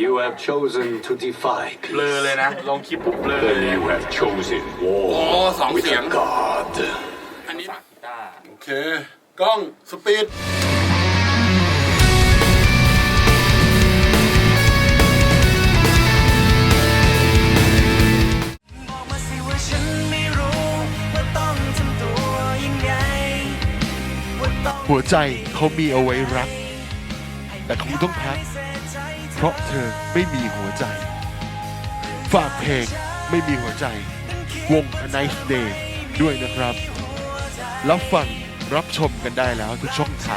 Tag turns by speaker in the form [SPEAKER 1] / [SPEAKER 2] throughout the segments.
[SPEAKER 1] You have chosen to defy
[SPEAKER 2] เบลอ
[SPEAKER 1] peace.
[SPEAKER 2] เลยนะลงคลิปปุ๊บเบลอเลย
[SPEAKER 1] Then you have chosen war
[SPEAKER 3] สอง
[SPEAKER 1] with
[SPEAKER 3] เสียง
[SPEAKER 1] a god.
[SPEAKER 3] อันนี้
[SPEAKER 2] กีตาร์
[SPEAKER 3] โอเคกล้องสปีด
[SPEAKER 4] หัวใจเขามีเอาไว้รักแต่คงต้องพักเพราะเธอไม่มีหัวใจฝากเพลงไม่มีหัวใจวง A Nice Day ด้วยนะครับรับฟังรับชมกันได้แล้วทุกช่องทาง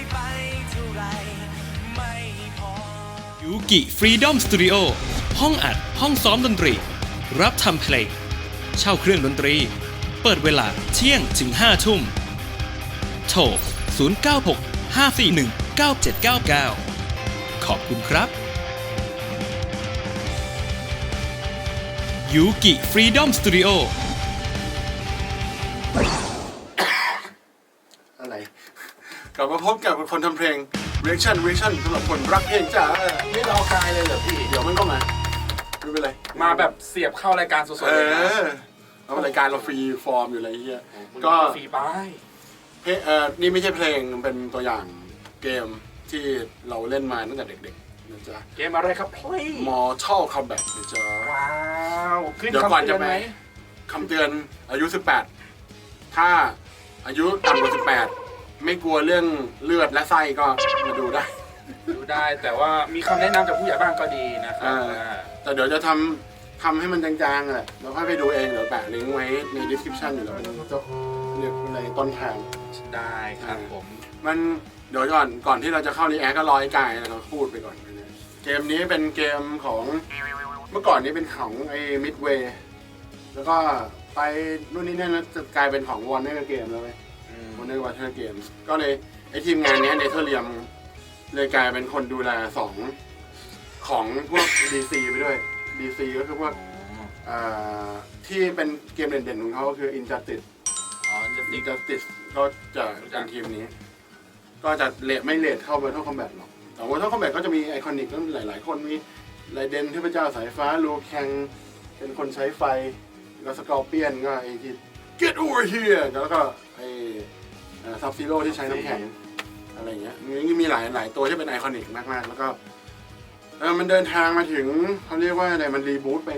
[SPEAKER 5] ยูกิฟรีดอมสตูดิโอห้องอัดห้องซ้อมดนตรีรับทำเพลงเช่าเครื่องดนตรีเปิดเวลาเที่ยงถึง5 ทุ่มโทร096 541 9799ขอบคุณครับยูกิฟรีดอมสตูดิโอ
[SPEAKER 3] อะไรกลับมาพบกับคนทำเพลง reaction สำหรับคนรักเพลงจ้า
[SPEAKER 2] ไม่รอกายเลยเหรอพี่
[SPEAKER 3] เดี๋ยวมันก็มาไม่เป็นไร
[SPEAKER 2] มาแบบเสียบเข้ารายการสดๆเลยนะ
[SPEAKER 3] แล้วรายการเราฟรีฟอร์มอยู่อะไรเงี้ยก็
[SPEAKER 2] ฟรีป้าย
[SPEAKER 3] นี่ไม่ใช่เพลงเป็นตัวอย่างเกมที่เราเล่นมาตั้งแต่เด็กๆนะจ๊ะ
[SPEAKER 2] เกมอะไรครับเพลง
[SPEAKER 3] Mortal Kombat นะจ๊ะ
[SPEAKER 2] ว้าวขึ้น
[SPEAKER 3] เดี๋ยว
[SPEAKER 2] คำ
[SPEAKER 3] ก่อน
[SPEAKER 2] เตื
[SPEAKER 3] จะ
[SPEAKER 2] อน
[SPEAKER 3] ไป
[SPEAKER 2] ไหม
[SPEAKER 3] คำเตือนอายุ 18 ถ้าอายุต่ำกว่า 18 ไม่กลัวเรื่องเลือดและไส้ก็มาดูได้
[SPEAKER 2] ดูได้แต่ว่ามีคำแนะนำจากผู้ใหญ่บ้านก็ดีนะครับ
[SPEAKER 3] แต่เดี๋ยวจะทำให้มันจางๆแหละแล้วค่อยไปดูเองเดี๋ยวแปะลิงก์ไว้ใน description อยู่แล้วเป็นเรียกอะไรต้นทาง
[SPEAKER 2] ได้ครับผม
[SPEAKER 3] มันเดี๋ยวก่อนที่เราจะเข้ารีแอคก็รอไอ้กายเราพูดไปก่อนนะเกมนี้เป็นเกมของเมื่อก่อนนี้เป็นของไอ้ Midway แล้วก็ไปนู่นนี่นั่นแล้วจะกลายเป็นของ Warner Game แล้วไหม Warner Game ก็เลยไอ้ทีมงานนี้เนเธอร์เรียมเลยกลายเป็นคนดูแลของพวก DC ไปด้วย DC ก็คือพวกที่เป็นเกมเด่นๆของเขาก็คือ Injustice Injustice ก็จะเป็นทีมนี้ ก็จะไม่เลทเข้า Mortal Kombat หรอกแต่ Mortal Kombat ก็จะมีไอคอนิกหลายๆคนมีไรเดนเทพเจ้าสายฟ้าลูแคงเป็นคนใช้ไฟแล้วสกอร์เปียนก็ไอที่ Get over here แล้วก็ไอซับซีโร่ที่ใช้น้ำแข็งอะไรเงี้ยมีหลายตัวที่เป็นไอคอนิกมากๆแล้วก็มันเดินทางมาถึงเขาเรียกว่าอะไรมันรีบูตไป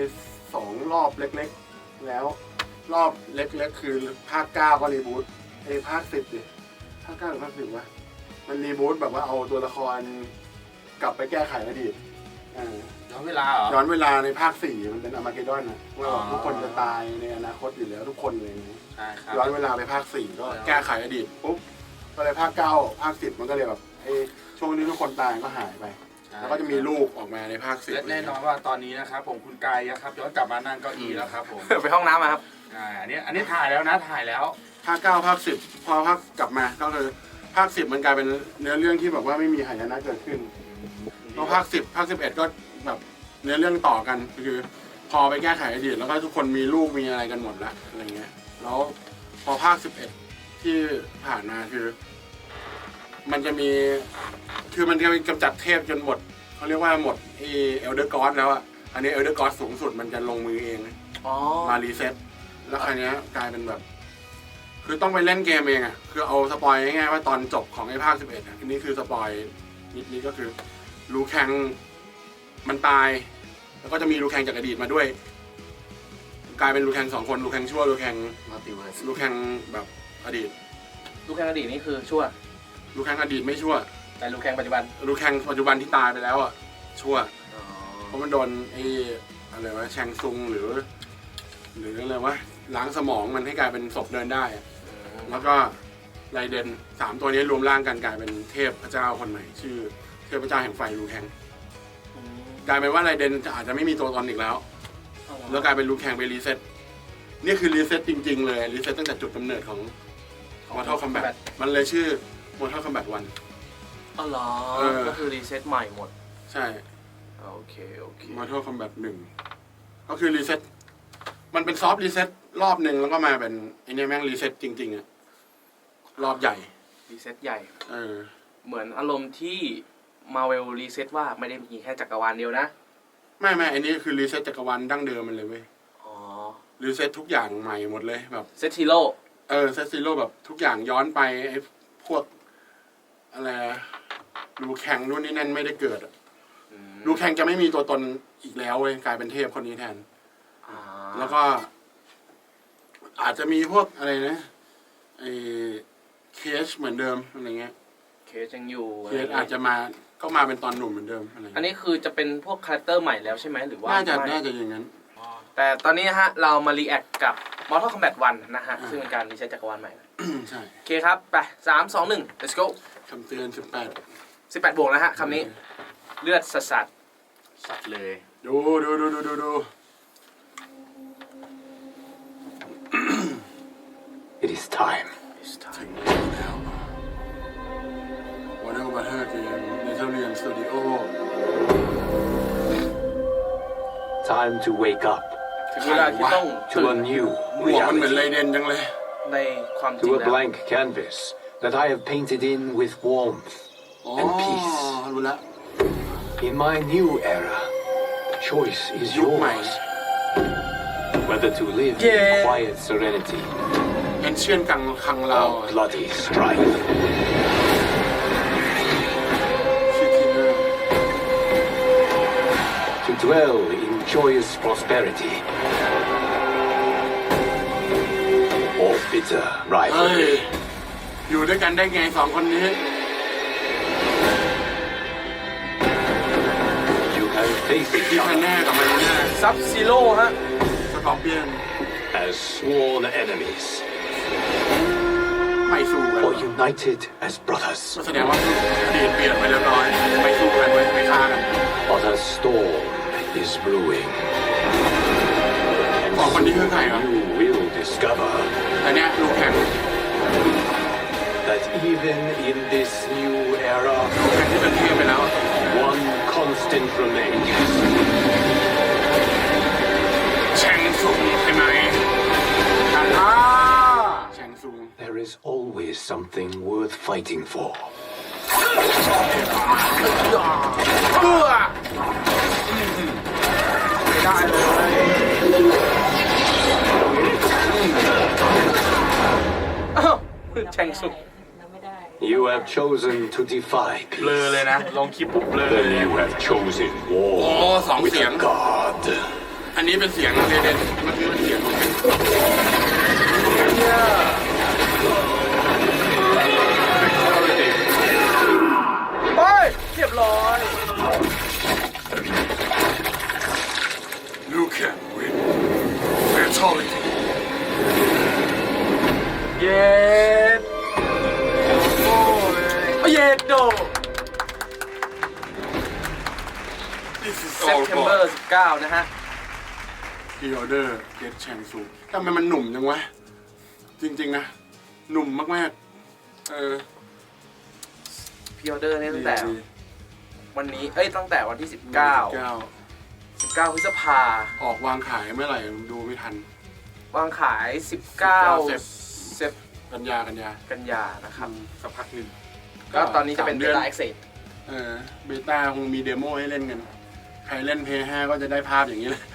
[SPEAKER 3] 2รอบเล็กๆแล้วรอบเล็กๆคือภาค9ก็รีบูตภาค10ดิภาค9หรือภาค10วะมันรีบูตแบบว่าเอาตัวละครกลับไปแก้ไขอดีต
[SPEAKER 2] ย้อนเวลาเหรอ
[SPEAKER 3] ย้อนเวลาในภาค4มันเป็นอาร์มาเกดดอนนะว่าทุกคนจะตายในอนาคตอยู่แล้วทุกคนเลย
[SPEAKER 2] ใช่ครับ
[SPEAKER 3] ย้อนเวลาไปภาค4ก็แก้ไขอดีตปุ๊บก็เลยภาค9ภาค10มันก็เลยแบบช่วงนี้ทุกคนตายก็หายไปแล้วก็จะมีลูกออกมาในภาค10
[SPEAKER 2] และแน่นอนว่าตอนนี้นะครับผมคุณกายครับย้อนกลับมานั่งเก้าอี้แล้วครับผม
[SPEAKER 6] ไปห้องน้ำมาครับ
[SPEAKER 2] อันนี้ถ่ายแล้วนะถ่ายแล้ว
[SPEAKER 3] ภาค9ภาค10พอภาคกลับมาก็คือภาค10มันกลายเป็นเนื้อเรื่องที่แบบว่าไม่มีหายนะเกิดขึ้นพอภาค10ภาค11ก็แบบเนื้อเรื่องต่อกันคือพอไปแก้ไขอดีตแล้วก็ทุกคนมีลูกมีอะไรกันหมดละอะไรเงี้ยแล้วพอภาค11ที่ผ่านมาคือมันจะมีคือมันจะกำจัดเทพจนหมดเขาเรียกว่าหมดเอลเดอร์กอสแล้วอ่ะอันนี้เอลเดอร์กอสสูงสุดมันจะลงมือเองมารีเซ็ตแล้วคราวนี้กลายเป็นแบบคือต้องไปเล่นเกมเองอ่ะคือเอาสปอยง่ายๆว่าตอนจบของไอ้ภาค11อ่ะนี่คือสปอยนิดก็คือลูแคงมันตายแล้วก็จะมีลูแคงจากอดีตมาด้วยกลายเป็นลูแคง2 คนลูแคงชั่วลูแคง
[SPEAKER 6] มัลติเวิร์ส
[SPEAKER 3] ลูแคงแบบอดีต
[SPEAKER 6] ลูกแข่งอดีตนี่คือชั่ว
[SPEAKER 3] ลูแคงอดีตไม่ชั่ว
[SPEAKER 6] แต่ลูกแข่งปัจจุบัน
[SPEAKER 3] ลูแคงปัจจุบันที่ตายไปแล้วอ่ะชั่วเพราะมันโดนอะไรวะแชงซุงหรืออะไรวะล้างสมองมันให้กลายเป็นศพเดินได้แล้วก็ไรเดน3ตัวนี้รวมร่างกันกลายเป็นเทพพระเจ้าคนใหม่ชื่อเทพพระเจ้าแห่งไฟลูแคงกลายเป็นว่าไรเดนอาจจะไม่มีตัวตนอีกแล้วแล้วกลายเป็นลูแคงไปรีเซ็ตนี่คือรีเซ็ตจริงๆเลยรีเซ็ตตั้งแต่จุดกำเนิดของ Mortal Kombat มันเลยชื่อ Mortal Kombat 1
[SPEAKER 6] อ๋อเหรอก็คือรีเซ็ตใหม่หมด
[SPEAKER 3] ใช่
[SPEAKER 6] โอเค
[SPEAKER 3] Mortal Kombat 1ก็คือรีเซ็ตมันเป็นซอฟต์รีเซ็ตรอบหนึ่งแล้วก็มาเป็นไอ้นี่แม่งรีเซ็ตจริงๆอะรอบใหญ่
[SPEAKER 6] รีเซ็ตใหญ่
[SPEAKER 3] เห
[SPEAKER 6] มือนอารมณ์ที่ Marvel Reset ว่าไม่ได้มีแค่จักรวาลเดียวนะ
[SPEAKER 3] ไม่อันนี้คือรีเซ็ตจักรวาลดั้งเดิมมันเลยเว้ย
[SPEAKER 6] อ๋อ
[SPEAKER 3] รีเซ็ตทุกอย่างใหม่หมดเลยแบบ
[SPEAKER 6] เซตฮีโร่
[SPEAKER 3] เซตซีโร่แบบทุกอย่างย้อนไปไอ้พวกอะไรลูแข่งนู่นนี่นั่นไม่ได้เกิดอะลูแข่งจะไม่มีตัวตนอีกแล้วเว้ยกลายเป็นเทพคนนี้แทน แล้วก็ อาจจะมีพวกอะไรนะไอ้เคสเหมือนเดิมอะไรเงี้ย
[SPEAKER 6] เคสยังอยู่
[SPEAKER 3] เคสอาจจะมาก็มาเป็นตอนหนุ่มเหมือนเดิมอะไร
[SPEAKER 6] อันนี้คือจะเป็นพวกคาแรคเตอร์ใหม่แล้วใช่ไหมหรือว่า
[SPEAKER 3] น่าจะ
[SPEAKER 6] ไม่
[SPEAKER 3] อย่างนั้น
[SPEAKER 6] แต่ตอนนี้นะฮะเรามารีแอคกับ Mortal Kombat 1 นะฮะ ซึ่งเป็นการรีเซ็ตจักรวาลใหม่นะ
[SPEAKER 3] ใช่
[SPEAKER 6] โอเคครับ ไป 3 2 1 let's go
[SPEAKER 3] คำเตือน
[SPEAKER 6] 18 บวกนะฮะคำนี้เลือดสัส
[SPEAKER 2] สัตว์เลย
[SPEAKER 3] 18ดู
[SPEAKER 1] It is time.
[SPEAKER 3] ถึงแล้ว Wonder Butter เกม Netherrealm Studio
[SPEAKER 1] Time to wake up
[SPEAKER 6] ๆถึงเวลาที่ต้อง
[SPEAKER 1] to a new
[SPEAKER 3] หมวกมันเหมือนไร
[SPEAKER 1] reality,
[SPEAKER 3] เดนจังเลย
[SPEAKER 6] ในความจริง
[SPEAKER 1] to a
[SPEAKER 6] แล้ว
[SPEAKER 1] blank canvas that I have painted in with warmth
[SPEAKER 3] อ๋อ
[SPEAKER 1] and peace.
[SPEAKER 3] รู้ละ
[SPEAKER 1] In my new era, the choice is
[SPEAKER 3] ยุคใหม่
[SPEAKER 1] yours. Whether to live in quiet serenity
[SPEAKER 3] Ancient คังเรา
[SPEAKER 1] or bloody strife.
[SPEAKER 3] ชื่อทีเนอร์
[SPEAKER 1] To dwell in joyous prosperity or bitter
[SPEAKER 3] เฮ้ย
[SPEAKER 1] rivalry.
[SPEAKER 3] อยู่ด้วยกันได้ไงสองคนนี้
[SPEAKER 1] You have faced
[SPEAKER 3] ที่
[SPEAKER 1] each
[SPEAKER 3] แพน
[SPEAKER 1] other
[SPEAKER 3] แน่กับมันแน่
[SPEAKER 6] ซับซีโร่ฮะ
[SPEAKER 3] สกอร์เปียน
[SPEAKER 1] as sworn enemies
[SPEAKER 3] ไม่สู้กัน
[SPEAKER 1] or united as brothers.
[SPEAKER 3] ก็แสดงว่าอดีตเปลี่ยนไปเรียบร้อยไม่สู้กันเว้ยไม่ฆ่ากัน
[SPEAKER 1] But a storm is brewing. And
[SPEAKER 3] สองคนนี้คือใครวะ
[SPEAKER 1] you will discover
[SPEAKER 3] แต่เนี้ยลูกแข่ง
[SPEAKER 1] that even in this new era,
[SPEAKER 3] ลูกแข่งที่เป็นเทพไปแล้ว
[SPEAKER 1] one constant remains.
[SPEAKER 3] แชงซุงใช่ไหมแชงซุง
[SPEAKER 1] There is always something worth fighting for.
[SPEAKER 6] ได้เลยอ้าวแชงสุก
[SPEAKER 1] You have chosen to defy
[SPEAKER 2] เบลอ
[SPEAKER 1] peace.
[SPEAKER 2] เลยนะ ลองคลิปปุ๊บเบลอ
[SPEAKER 1] Then you have chosen war
[SPEAKER 3] Oh, song
[SPEAKER 1] with
[SPEAKER 3] xiang.
[SPEAKER 1] a god.
[SPEAKER 3] อันนี้เป็นเสียงเรเดนเมื่อกี้เป็นเสียงของแชงซุง
[SPEAKER 6] ไปเรียบร้อย
[SPEAKER 3] ลูกแข่งวินแฟชั่น
[SPEAKER 6] เย็ดโอ้ยเย็ดโด
[SPEAKER 3] This is
[SPEAKER 6] เซป
[SPEAKER 3] all
[SPEAKER 6] เทมเบอ
[SPEAKER 3] for
[SPEAKER 6] ร์19 นะฮะ
[SPEAKER 3] Pre Order Get แชงซุงทำไมมันหนุ่มจังวะ จริงๆนะ หนุ่มมากๆ
[SPEAKER 6] พรีออเดอร์เนี่ยตั้งแต่
[SPEAKER 3] ดี
[SPEAKER 6] วันนี้ ตั้งแต่วันที่ 19
[SPEAKER 3] 19
[SPEAKER 6] พฤษภา
[SPEAKER 3] ออกวางขายเมื่อไหร่ดูไม่ทัน
[SPEAKER 6] วางขาย 19 เซป
[SPEAKER 3] กันยา
[SPEAKER 6] กันยานะครับ
[SPEAKER 2] สักพักหนึ่ง
[SPEAKER 6] ก็ตอนนี้จะเป็น
[SPEAKER 3] 3
[SPEAKER 6] เบ
[SPEAKER 3] เดือน
[SPEAKER 6] ต้าเอ็กเซส
[SPEAKER 3] เบต้าคงมีเดโมให้เล่นกัน ใครเล่น Play 5 ก็จะได้ภาพอย่างนี้เลย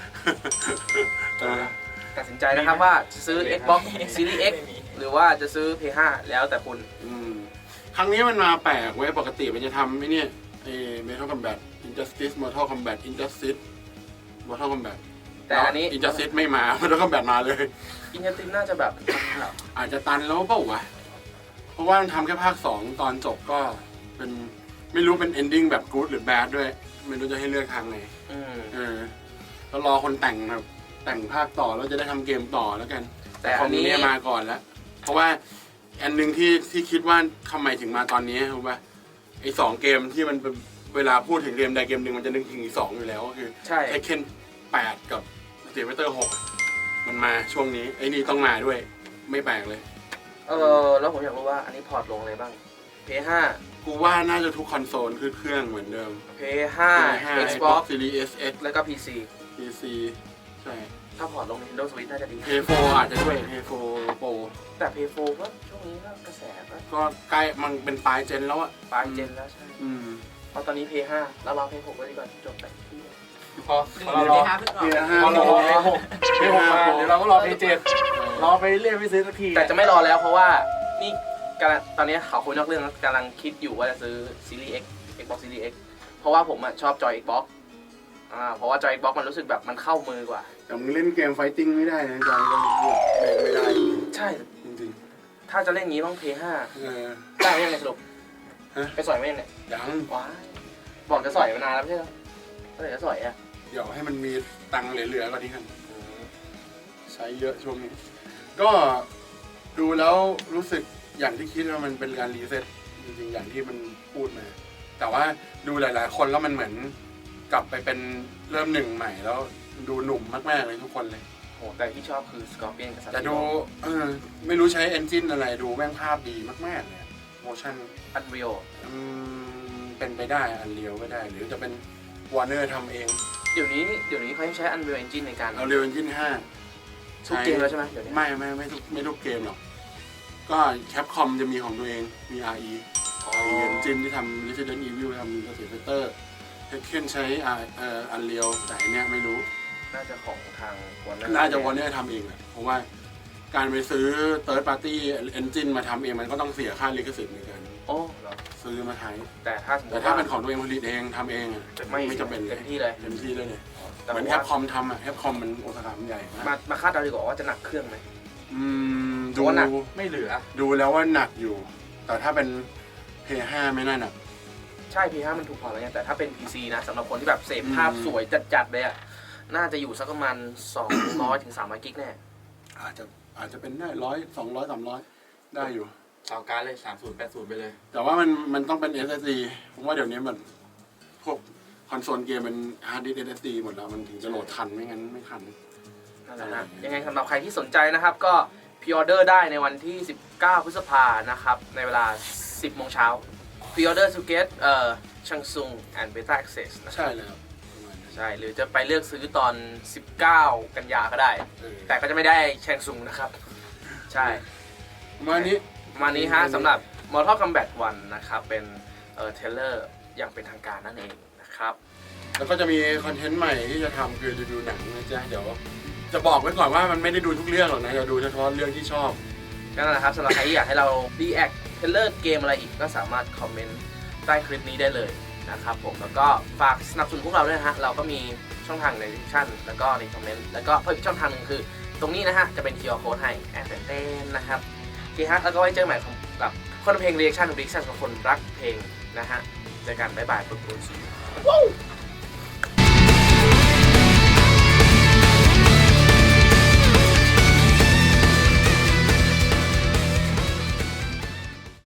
[SPEAKER 6] ตัดสินใจนะครับว่าจะซื้อ Xbox Series X หรือว่าจะซื้อ PS5 แล้วแต่คุณ
[SPEAKER 3] ครั้งนี้มันมาแปลกเว้ยปกติมันจะทำไอ้เนี่ยMortal Kombat Injustice Mortal Kombat Injustice Mortal Kombat
[SPEAKER 6] แต่อันนี้
[SPEAKER 3] Injustice ไม่มา Mortal Kombat มาเลย
[SPEAKER 6] อินเทอร์ตินน่าจะแบบ
[SPEAKER 3] อาจจะตันแล้วเปล่าวะ เพราะว่ามันทำแค่ภาค 2 ตอนจบก็เป็นไม่รู้เป็น ending แบบ good หรือ bad ด้วย ไม่รู้จะให้เลือกทางไหน ก็รอคนแต่งครับแต่งภาคต่อแล้วจะได้ทำเกมต่อแล้วกัน
[SPEAKER 6] แต่อันนี้
[SPEAKER 3] ของเนี่ยมาก่อนแล้ว เพราะว่าอันหนึงที่คิดว่าทำไมถึงมาตอนนี้รู้ป่ะไอ้2 เกมที่มันเป็นเวลาพูดถึงเกมใดเกมหนึ่งมันจะนึกถึงอีก2อยู่แล้วก็คือ
[SPEAKER 6] ใช่
[SPEAKER 3] Tekken 8 กับ Street Fighter 6 มันมาช่วงนี้ไอ้นี่ต้องมาด้วยไม่แปลกเลย
[SPEAKER 6] แล้วผมอยากรู้ว่าอันนี้พอร์ตลงอะไรบ้าง PS5
[SPEAKER 3] กูว่าน่าจะทุกคอนโซลคือเครื่องเหมือนเดิม
[SPEAKER 6] PS5
[SPEAKER 3] PS5
[SPEAKER 6] Xbox
[SPEAKER 3] Series S
[SPEAKER 6] แล้วก็ PC
[SPEAKER 3] PC ใช่
[SPEAKER 6] ถ้าพอร์ตลง Nintendo Switch น่าจะดี
[SPEAKER 3] PS4 อาจจะด้วย PS4 Pro
[SPEAKER 6] แต่ PS4 ก็ช่วงนี้ก็กระแสก็
[SPEAKER 3] ก็ใกล้มันเป็นปลายเจนแล้วอะ
[SPEAKER 6] ปลายเจนแล้วใช่
[SPEAKER 3] อืม
[SPEAKER 6] เพราะตอนนี้ Play 5เรารอ Play 6ไว้ดีกว่าจบไป
[SPEAKER 2] พอเรารอ
[SPEAKER 3] เพียห้า
[SPEAKER 2] พอเรารอ
[SPEAKER 3] โ
[SPEAKER 2] เพย์6มาเดี๋ยวเราก็รอเพย์7รอไปเรื่อยไม่ซื้อสักที
[SPEAKER 6] แต่จะไม่รอแล้วเพราะว่านี่กำลังตอนนี้เขาคุยนอกเรื่องแล้วกำลังคิดอยู่ว่าจะซื้อ Series X Xbox Series X เพราะว่าผมชอบจอย Xbox เพราะว่าจอย Xbox มันรู้สึกแบบมันเข้ามือกว่า
[SPEAKER 3] แต่มึงเล่นเกมไฟติ้งไม่ได้นะจอยก็ไม่ได้
[SPEAKER 6] ใช่
[SPEAKER 3] จริง
[SPEAKER 6] ถ้าจะเล่นงี้ต้อง Play
[SPEAKER 3] ๆ
[SPEAKER 6] ได้ไหมยังไงสรุป
[SPEAKER 3] ฮะ
[SPEAKER 6] ไปสอยไหมยังไง
[SPEAKER 3] ยัง
[SPEAKER 6] ว้ายบอกจะสอยมานานแล้วไม่ใช่เหรอเมื่อไหร่จะสอยอ่ะ
[SPEAKER 3] เดี๋ยวให้มันมีตังค์เหลือๆก่อนนี้กันใช้เยอะช่วงนี้ ก็ดูแล้วรู้สึกอย่างที่คิดว่ามันเป็นการรีเซ็ตจริงๆอย่างที่มันพูดมา แต่ว่าดูหลายๆคนแล้วมันเหมือนกลับไปเป็นเริ่มหนึ่งใหม่แล้วดูหนุ่มมากๆเลยทุกคนเลย
[SPEAKER 6] โหแต่ที่ชอบคือ Scorpion กับ
[SPEAKER 3] แต่ดูไม่รู้ใช้เอนจินอะไรดูแม่งภาพดีมากๆเลยโมชั่น
[SPEAKER 6] Unreal
[SPEAKER 3] เป็นไปได้อันเรียวก็ได้ หรือจะเป็นวอร์เนอร์ทำเอง
[SPEAKER 6] เดี๋ยวนี้เขายังใช้ Unreal Engine ในการ
[SPEAKER 3] เอาเรียวเอนจิน5
[SPEAKER 6] ทุกเกมแล้วใช่ไหมเดี๋ยวนี้
[SPEAKER 3] ไม่ทุกเกมหรอก ก็แคปคอมจะมีของตัวเองมี RE
[SPEAKER 6] อ๋อ
[SPEAKER 3] RE Engine ที่ทำ Resident Evil ทำ Street Fighter เทคเคนใช้อันเรียวแต่อันเนี้ยไม่รู้
[SPEAKER 6] น่าจะของทาง Warner
[SPEAKER 3] น่าจะวอร์เนอร์ทำเองแหละเพราะว่าการไปซื้อ Third Party Engine มาทำเองมันก็ต้องเสียค่าลิขสิทธิ์ในการ
[SPEAKER 6] โอ้เหรอ
[SPEAKER 3] ซื้อมาใช้
[SPEAKER 6] แต่ถ้าสมม
[SPEAKER 3] แต่
[SPEAKER 6] ติ
[SPEAKER 3] ถ้า
[SPEAKER 6] ว่า
[SPEAKER 3] เป็นของตัวเองผลิตเองทำเองอะ ไม่จำเป็นเลย
[SPEAKER 6] เต็มที่เลย
[SPEAKER 3] เต็มที่เลยเนี่ย
[SPEAKER 6] แต่
[SPEAKER 3] เหมือนแค
[SPEAKER 6] ว่า
[SPEAKER 3] ปคอมทำอะแคปคอมมันโอสาขามันใหญ่มาก
[SPEAKER 6] มาคาดเดาดีกว่าว่าจะหนักเครื่องไหม
[SPEAKER 3] ดู
[SPEAKER 6] ว่าหนัก
[SPEAKER 2] ไม่เหลือ
[SPEAKER 3] ดูแล้วว่าหนักอยู่ แต่ถ้าเป็น P5 ไม่น่าหนัก
[SPEAKER 6] ใช่ P5 มันถูกพอแล้วไงแต่ถ้าเป็น PC นะสำหรับคนที่แบบเสพภาพสวยจัดๆเลยอ่ะน่าจะอยู่สักประมาณ200 ถึง 300 กิกแน่
[SPEAKER 3] อาจจะเป็นได้100 200 300ได้อยู่
[SPEAKER 2] เอาการเลย3080ไปเลย
[SPEAKER 3] แต่ว่ามันต้องเป็น SSD ผมว่าเดี๋ยวนี้มันพวกคอนโซลเกมมันฮาร์ดดิสก์ SSD หมดแล้วมันถึงจะโหลดทันไม่งั้นไม่ทัน
[SPEAKER 6] นั่นแหละนะยังไงสำหรับใครที่สนใจนะครับ ก็พรีออเดอร์ได้ในวันที่ 19 พฤษภานะครับ ในเวลา 10 โมงเช้าพรีออเดอร์ to get Samsung and Beta Access นะ
[SPEAKER 3] ใช่เลยครับประมาณนั้น
[SPEAKER 6] ใช่หรือจะไปเลือกซื้อตอน 19 กันยาก็ได้ แต่ก็จะไม่ได้ Samsung นะครับ ใช่
[SPEAKER 3] ประมาณนี้
[SPEAKER 6] ประมาณนี้ฮะสำหรับ Mortal Kombat 1 นะครับ เป็นเทรลเลอร์อย่างเป็นทางการนั่นเองนะครับ
[SPEAKER 3] แล้วก็จะมีคอนเทนต์ใหม่ที่จะทำคือดูหนังนะจ๊ะเดี๋ยวจะบอกไว้ก่อนว่ามันไม่ได้ดูทุกเรื่องหรอกนะจะดูเฉพาะเรื่องที่ชอบ
[SPEAKER 6] ก็นั่นแหละครับสำหรับใครที่อยากให้เรา react เทรลเลอร์เกมอะไรอีกก็สามารถคอมเมนต์ใต้คลิปนี้ได้เลยนะครับผมแล้วก็ฝากสนับสนุนพวกเราด้วยนะฮะเราก็มีช่องทางใน description แล้วก็ในคอมเมนต์แล้วก็เพิ่มอีกช่องทางหนึ่งคือตรงนี้นะฮะจะเป็น QR code ให้แอดเต้นนะครับโอเคฮะแล้วก็ไว้เจอใหม่กับคนเพลง reaction ของ reaction ของคนรักเพลงนะฮะเจอกันบ๊ายบายปุ๊บปุ๊บ